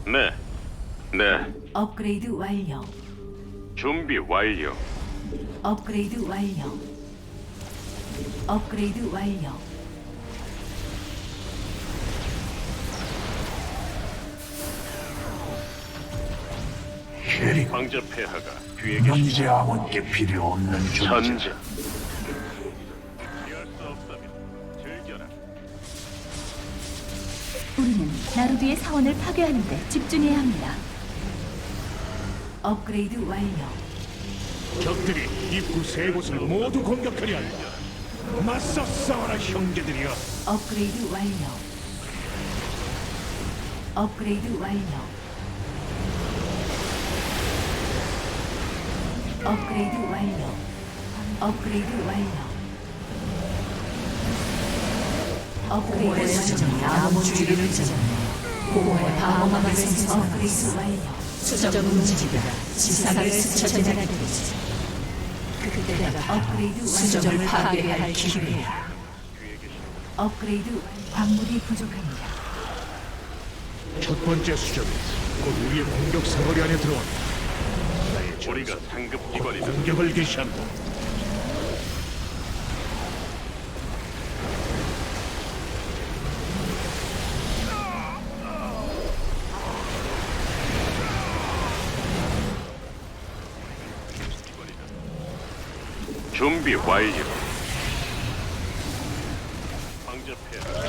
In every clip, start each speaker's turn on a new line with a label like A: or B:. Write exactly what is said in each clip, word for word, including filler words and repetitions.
A: 네, 네.
B: 업그레이드 완료.
A: 준비 완료.
B: 업그레이드 완료. 업그레이드 완료.
C: 캐리,
A: 황제 폐하가 뒤에 계십니다.
C: 현재 아몬께 필요 없는 존재.
A: 전진. 피할 수 없다면 즐겨라.
D: 우리는 나루비의 사원을 파괴하는데 집중해야 합니다.
B: 업그레이드 완료.
E: 적들이 입구 세 곳을 모두 공격하려 한다. 맞서 싸워라 형제들이여.
B: 업그레이드 완료. 업그레이드 완료. 업그레이드 완료. 업그레이드 완료. 업그레이드
F: 수정이
B: 완료.
F: 아무 주의를 찢었네. 공허의 방어막을 생성하고
B: 업그레이드
F: 있어.
B: 완료.
F: 수정 움직이다가 지상을 스쳐 지나가게 되지. 그때가
B: 업그레이드
F: 수정을
B: 완료.
F: 파괴해야 할 기회야.
B: 업그레이드 광물이 부족합니다.
E: 첫 번째 수정이 곧 우리의 공격 사거리 안에 들어온다. 나의
A: 우리가
E: 전사
A: 상급 기관이다.
E: 공격을 개시한다.
A: 준비 완료. 황제 폐하.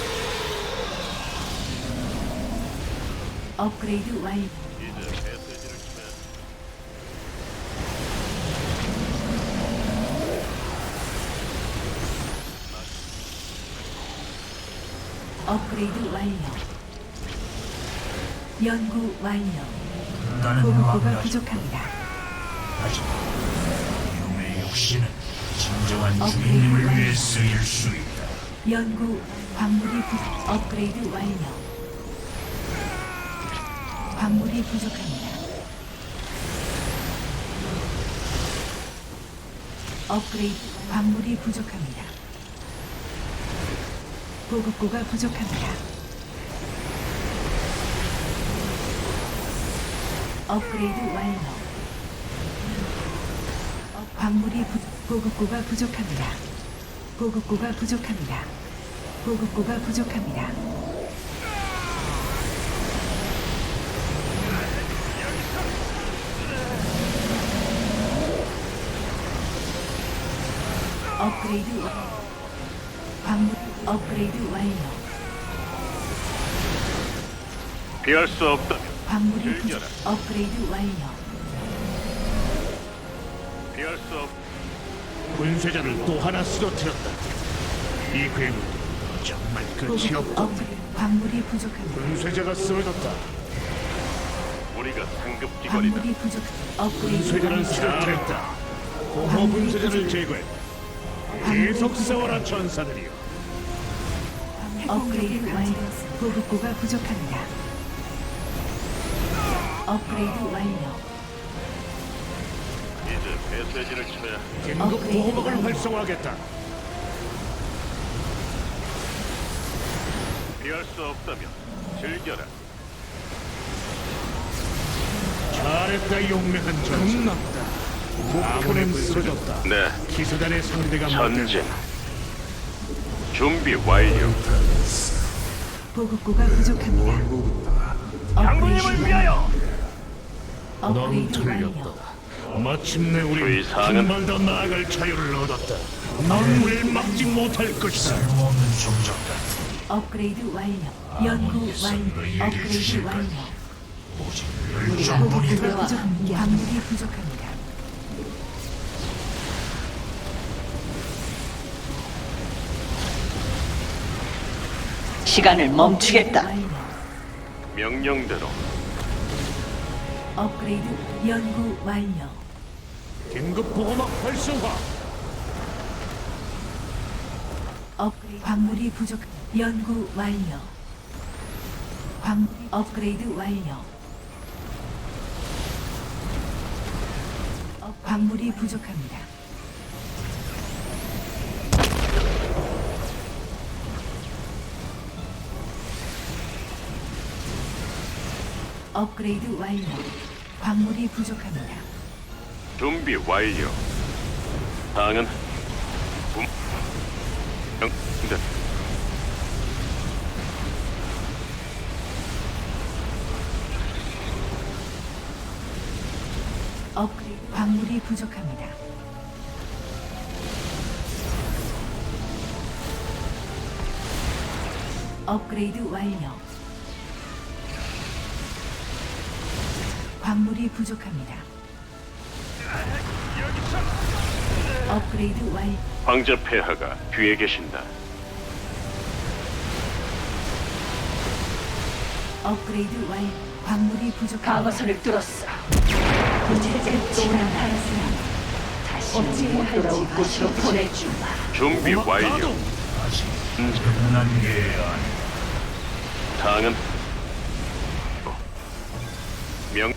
B: 업그레이드 완료.
A: 이제 메시지를 치면
B: 업그레이드 완료. 연구 완료.
C: 나는
B: 보급고가
C: 왕가지.
B: 부족합니다.
C: 하지만 이놈의 육신은 진정한 주인님을 위해 쓰일 수 있다.
B: 연구 광물이 부 업그레이드 완료. 광물이 부족합니다. 업그레이드 광물이 부족합니다. 보급고가 부족합니다. 업그레이드 완료. 어, 광물이 부 보급고가 부족합니다. 보급고가 부족합니다. 보급고가 부족합니다. 업그레이드 완료. 광물 업그레이드 완료.
A: 피할 수 없다면
B: 광물이 부족.
A: 즐겨라.
B: 업그레이드 완료.
A: 피할 수 없.
E: 분쇄자를 또 하나 쓰러뜨렸다. 이 괴물 정말 끝이
B: 보급
E: 없다.
B: 업그레이드 광물이 부족합니다.
E: 분쇄자가 쓰러졌다.
A: 우리가 상급 기관이다.
B: 광물이 부족. 업그레이드
E: 분쇄자를
B: 완료.
E: 쓰러뜨렸다. 공허 분쇄자를 제거했다. 계속 싸워라 전사들이여.
B: 업그레이드 완료. 보급고가 부족합니다. 업그레이드 완료.
A: 이제 메시지를 쳐야
E: 긴급 보호막을 활성화하겠다.
A: 피할 수 없다면 즐겨라.
E: 잘했다 용맹한 전사. 아몬에 쓰러졌다.
A: 네,
E: 기사단의 상대가
A: 전진.
E: 못된다.
A: 준비 완료.
B: 보급고가 부족합니다.
A: 장군님을 위하여.
E: 넌
B: 업그레이드 완료.
E: 틀렸다. 마침내 우리
A: 주의 사항은?
E: 한 발 더 나아갈 자유를 얻었다. 넌 우릴 막지 못할 것이다.
C: 쓸모없는 종족다.
B: 업그레이드 완료. 연구 완료. 업그레이드 완료.
C: 오직
B: 보급고가
C: 열정뿐이다.
B: 부족합니다. 광물이 부족합니다.
F: 시간을 멈추겠다.
B: 완료.
A: 명령대로
B: 업그레이드 연구 완료.
E: 긴급 보호막 활성화.
B: 업그레이드 광물이 부족. 연구 완료. 광 업그레이드 완료. 업 광물이 부족합니다. 업그레이드 완료. 광물이 부족합니다.
A: 준비 완료. 사항은 분 명령.
B: 업그레이드 광물이 부족합니다. 업그레이드 완료. 광물이 부족합니다. 업그레이드 완료.
A: 황제 폐하가 뒤에 계신다.
B: 업그레이드 완료. 광물이 부족합니다.
F: 방어선을 뚫었어. 이제 지난 하였으니 다시 못 돌아올 곳으로 보내주마.
A: 준비 완료.
C: 아직 끝난 게 아니.
A: 사항은 명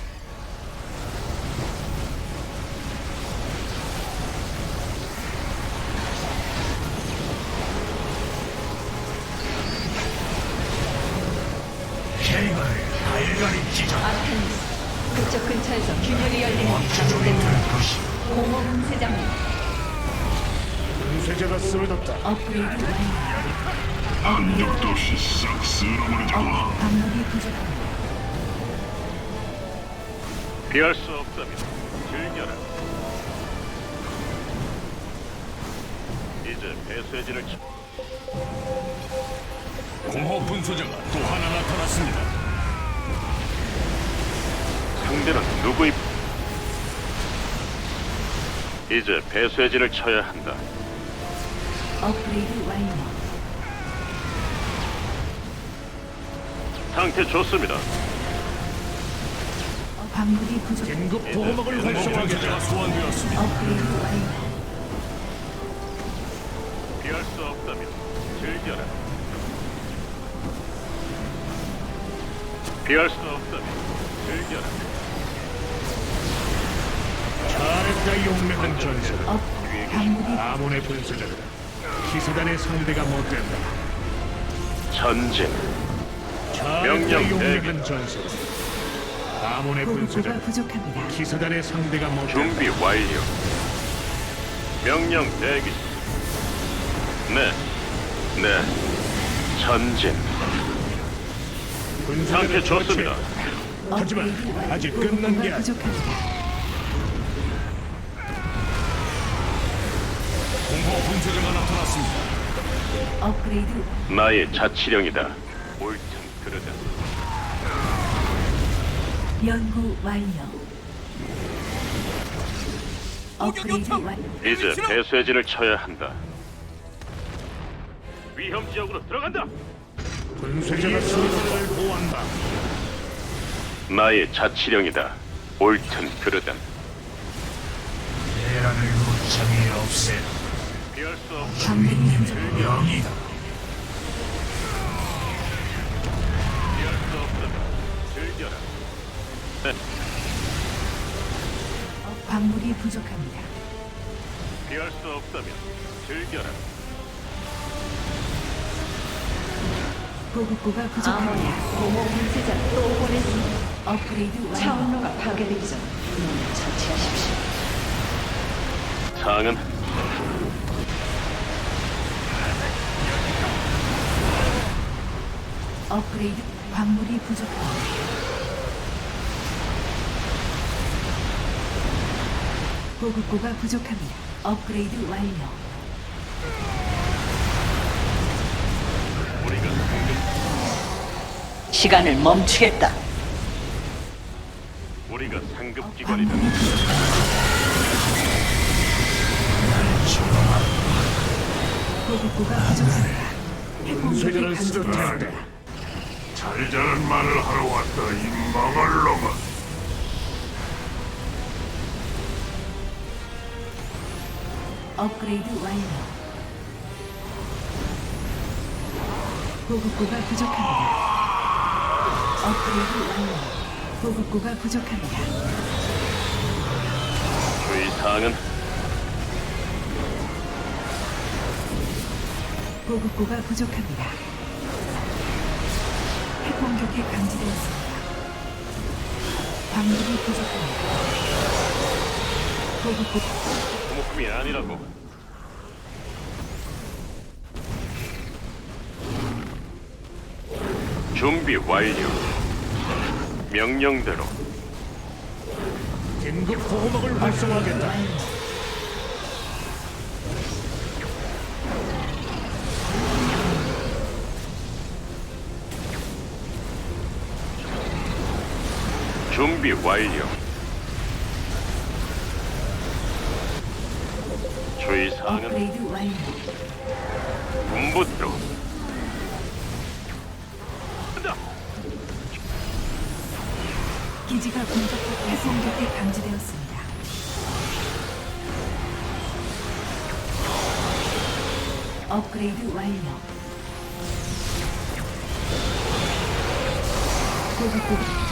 C: 해가 달걀이 찢어
F: 아테니스, 그쪽 근처에서 균열이 열리는
C: 원초적이 될 것이.
F: 공허 분쇄자입니다.
E: 분쇄자가 쓰러졌다.
B: 업그레이드 완료.
C: 한적도 없이 싹 쓸어버리자.
B: 어, 광물이 부족합니다.
A: 피할 수 없다면 즐겨라. 이제 배쇄진을 치...
E: 공허 분쇄자가 또 하나 나타났습니다.
A: 상대는 누구입? 이제 배쇄진을 쳐야 한다.
B: 업그레이드 완료.
A: 상태 좋습니다.
B: 어, 광물이 부족합니다.
E: 긴급 보호막을 활성화하겠다. 소환되었습니다.
B: 업그레이드 완료.
A: 피할 수 없다면 즐겨라. 피할 수 없다면 즐겨라.
E: 잘했다 용맹한 전사.
B: 업 광물이
E: 아몬의 분쇄자다. 기사단의 상대가 못된다.
A: 전진.
E: 잘했다
A: 명령
E: 용맹한 전사. 아몬의
B: 보급고가
E: 분쇄자다.
B: 부족합니다.
E: 기사단의 상대가 못된다.
A: 준비 완료. 명령 대기. 네. 네. 전진.
E: 분쇄자를
A: 상태 좋습니다.
E: 처치해. 하지만
B: 업그레이드 완료.
E: 아직 끝난 게
B: 보급고가
E: 아니야.
B: 부족합니다.
E: 공허 분쇄자가 나타났습니다.
B: 업그레이드
A: 나의 자치령이다. 옳든 그르든.
B: 연구 완료. 업그레이드 완료.
A: 이제 배쇄진을 쳐야 한다. 위험 지역으로 들어간다.
E: 분쇄자가 수호자를 보호한다.
A: 나의 자치령이다. 옳든 그르든.
C: 대란을 무참히 없애라.
A: 피할 수 없.
B: 광물이 부족.
C: 영이다.
A: 피할 수 없다면 즐겨라. 네.
B: 어, 광물이 부족합니다.
A: 피할 수 없다면 즐겨라.
B: 보급고가
F: 아몬이
B: 부족합니다.
F: 공허 분쇄자를 또 보냈습니다.
B: 업그레이드 완료.
F: 차원로가 파괴되기 전 놈을 처치하십시오.
A: 사항은
B: 업그레이드 광물이 부족합니다. 보급고가 부족합니다. 업그레이드 완료.
A: 우리가 상급
F: 시간을 멈추겠다.
A: 우리가 상급 기관이다.
B: 광물이 부족합니다. 보급고가 부족합니다.
E: 분쇄자를
B: 핵공격이
E: 쓰러뜨린다.
B: 감지되었습니다.
C: 잘자는 말을 하러 왔다 이 망할 놈아.
B: 업그레이드 완료. 보급고가 부족합니다. 업그레이드 완료. 보급고가 부족합니다.
A: 주의 사항은
B: 보급고가 부족합니다. 핵공격이 감지되었습니다. 광물이 부족합니다. 보급고
A: 소모품이 아니라고. 준비 완료. 명령대로.
E: 긴급 보호막을 활성화하겠다.
A: 준비 완료. 주의 사항은
B: 업그레이드 완료.
A: 군부대로. 간다.
B: 기지가 공격받고 공격이 감지되었습니다. 업그레이드 완료. 보급고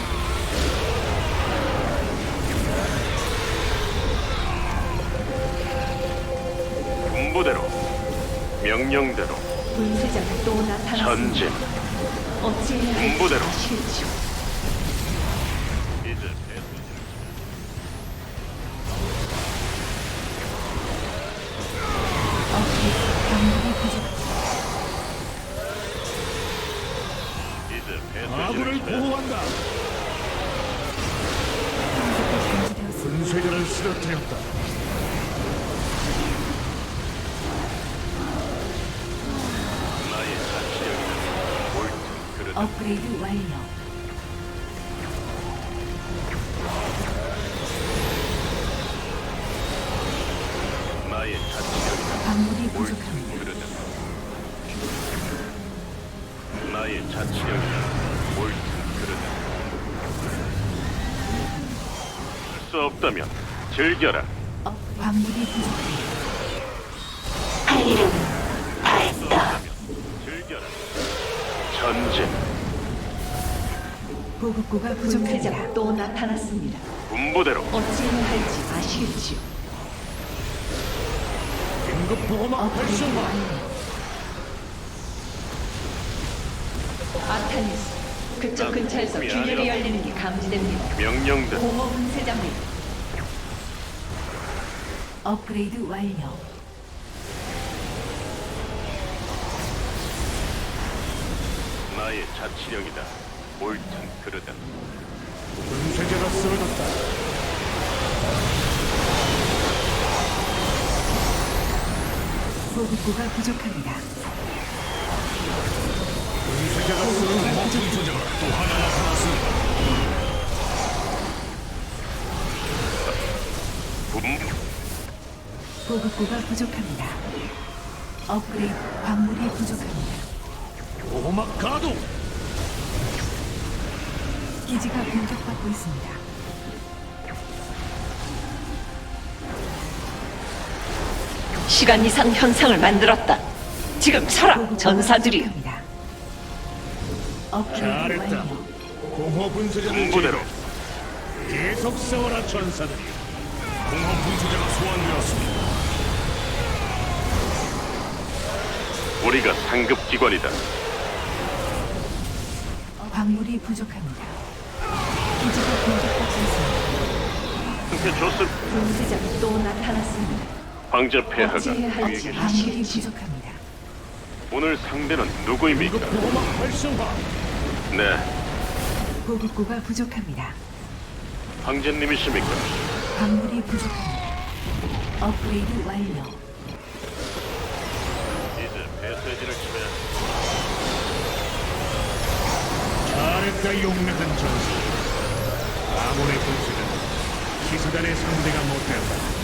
A: 군부대로. 명령대로.
F: 분쇄자가 또 나타났습니다.
A: 전진.
F: 어찌해야 할지
A: 군부대로.
F: 아시겠죠?
A: 이제 배수진을
B: 업그레이드 광물이 부족합니다.
A: 이제 배수진을
E: 아군을
A: 쳐야
E: 보호한다.
B: 공격이 감지되었습니다.
E: 분쇄자를 쓰러뜨렸다.
A: 나의 자치력이다. 옳든 그르든
B: 업그레이드 완료.
A: 나의 자치력이다.
B: 광물이
A: 옳든
B: 부족합니다.
A: 그르든 나의 자치력이다. 옳든 그르든 할 수 없다면 즐겨라.
B: 업 광물이 부족합니다.
A: 할 수 없다면 즐겨라. 전진.
B: 보급고가
F: 분쇄자가
B: 부족합니다.
F: 또 나타났습니다.
A: 군부대로.
F: 어찌해야 할지 아시겠죠?
E: 긴급 보호막
B: 업그레이드
E: 활성화.
B: 완료.
F: 아타니스, 그쪽 근처에서
A: 미안해요.
F: 균열이 열리는 게 감지됩니다.
A: 명령대로.
F: 공허 분쇄자입니다.
B: 업그레이드 완료.
A: 나의 자치력이다. 옳든 그르든
E: 분쇄자가 쓰러졌다.
B: 보급고가 부족합니다.
E: 분쇄자가 쓰러졌다. 분쇄자가 또 하나 나타났습니다.
A: 군
B: 보급고가 부족합니다. 업그레이드 광물이 부족합니다.
E: 보호막 가동.
B: 기지가 공격받고 있습니다.
F: 시간 이상 현상을 만들었다. 지금 서라,
B: 보급고가
F: 전사들이.
B: 부족합니다. 업그레이드
E: 잘했다.
B: 완료.
E: 공허 분쇄자를
A: 군부대로.
E: 제거해. 계속 싸워라 전사들이. 공허 분쇄자가 소환되었습니다.
A: 우리가 상급 기관이다.
B: 광물이 부족합니다. 기지가 공격받고 있습니다.
A: 상태 좋습.
F: 분쇄자가 또 나타났습니다.
A: 황제 폐하가
F: 어찌해야 할지
A: 우리에게
B: 광물이
F: 아시겠죠?
B: 부족합니다.
A: 오늘 상대는 누구입니까?
E: 긴급 보호막 활성화.
A: 네,
B: 보급고가 부족합니다.
A: 황제님이십니까?
B: 광물이 부족합니다. 업그레이드 완료.
A: 이제 배쇄진을 치면
E: 잘했다 용맹한 전사. 아몬의 분쇄자는 기사단의 상대가 못되었다.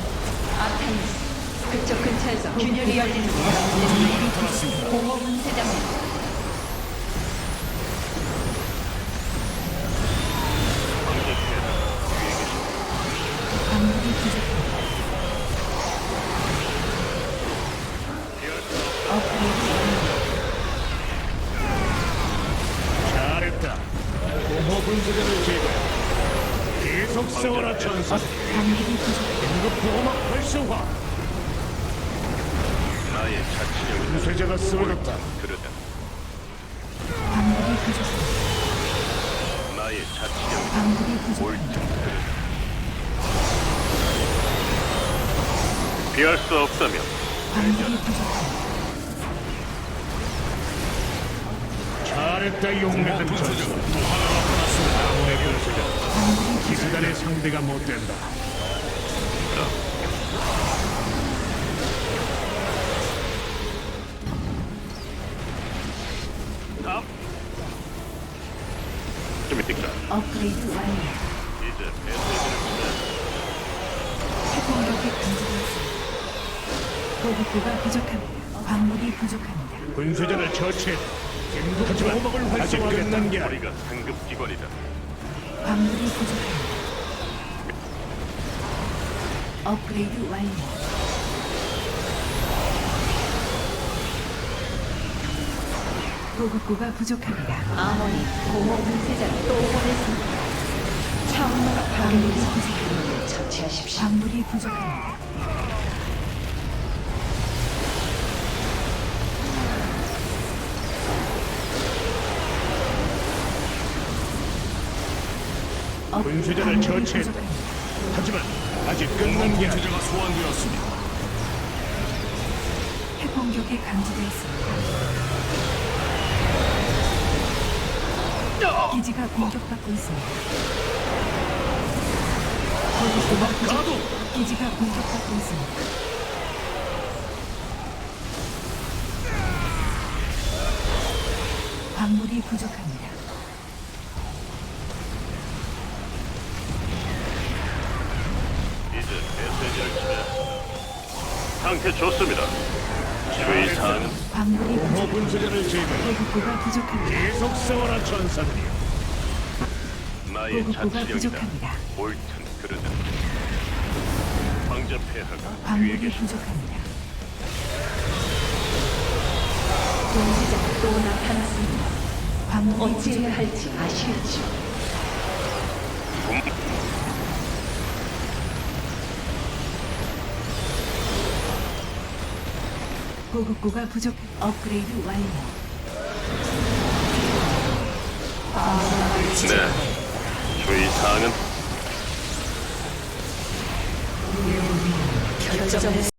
F: 아타니스, 그쪽 근처에서 균열이 열리는 게
E: 나타났습니다.
F: 공허 분쇄자입니다.
A: 황제 폐하가 위에 계십니다.
B: 광물이 부족합니다.
A: 피할 수 없다.
B: 업그레이드 완료.
E: 잘했다. 공허 분쇄자를 제거해. 계속 싸워라 전사.
B: 광물이 부족합니다.
E: 긴급 보호막 활성화.
A: 나의 자치력이다.
E: 분쇄자가 쓰러졌다.
A: 그러다
B: 광물이 부족합니다.
A: 나의 자치력.
B: 광물이 부족합니다.
A: 피할 수 없다면
B: 광물이 부족합니다.
E: 잘했다 용맹한 전사. 아몬의 분쇄자.
B: 광물이 부족.
E: 기사단의 상대가 못 된다.
A: 다음 좀 이따
B: 업그레이드 완료.
A: 이제 배쇄진을 치면
B: 핵공격이 감지되었습니다. 보급고가 부족합니다. 광물이 부족합니다.
E: 분쇄자를 처치했다. 하지만 아직 끝난 게 아니야.
A: 우리가 상급 기관이다.
B: 광물이 부족합니다. 업그레이드 완료. 보급고가 부족합니다.
F: 아몬이 공허 분쇄자를 또 보냈습니다. 차원로가 파괴되어 분쇄자를 처치하십시오.
B: 광물이 부족합니다. 업-
E: 분쇄자를
B: 광물이
E: 처치했다.
B: 부족합니다.
E: 하지만 아직 끝난 게 아니야.
C: 소환되었습니다.
B: 핵공격이 감지되었습니다. 기지가 공격받고 있습니다. 보급고가 부족. 기지가 공격받고 있습니다. 광물이 부족합니다.
A: 이제 배쇄진을 치면 상태 좋습니다. 주의 사항은
B: 광물이
E: 공허
B: 부족.
E: 분쇄자를 제거해.
B: 보급고가 부족합니다.
E: 계속 싸워라 전사들이여.
A: 나의
B: 보급고가
A: 자치령이다.
B: 부족합니다.
A: 옳든 그르든 황제 폐하가 뒤에
B: 광물이
A: 계신다.
B: 부족합니다.
F: 분쇄자가 또 나타났습니다.
B: 광물이
F: 어찌해야 할지 아시겠죠?
B: 보급고가 부족. 업그레이드 완료.
A: 네. 주의 사항은
F: 결정을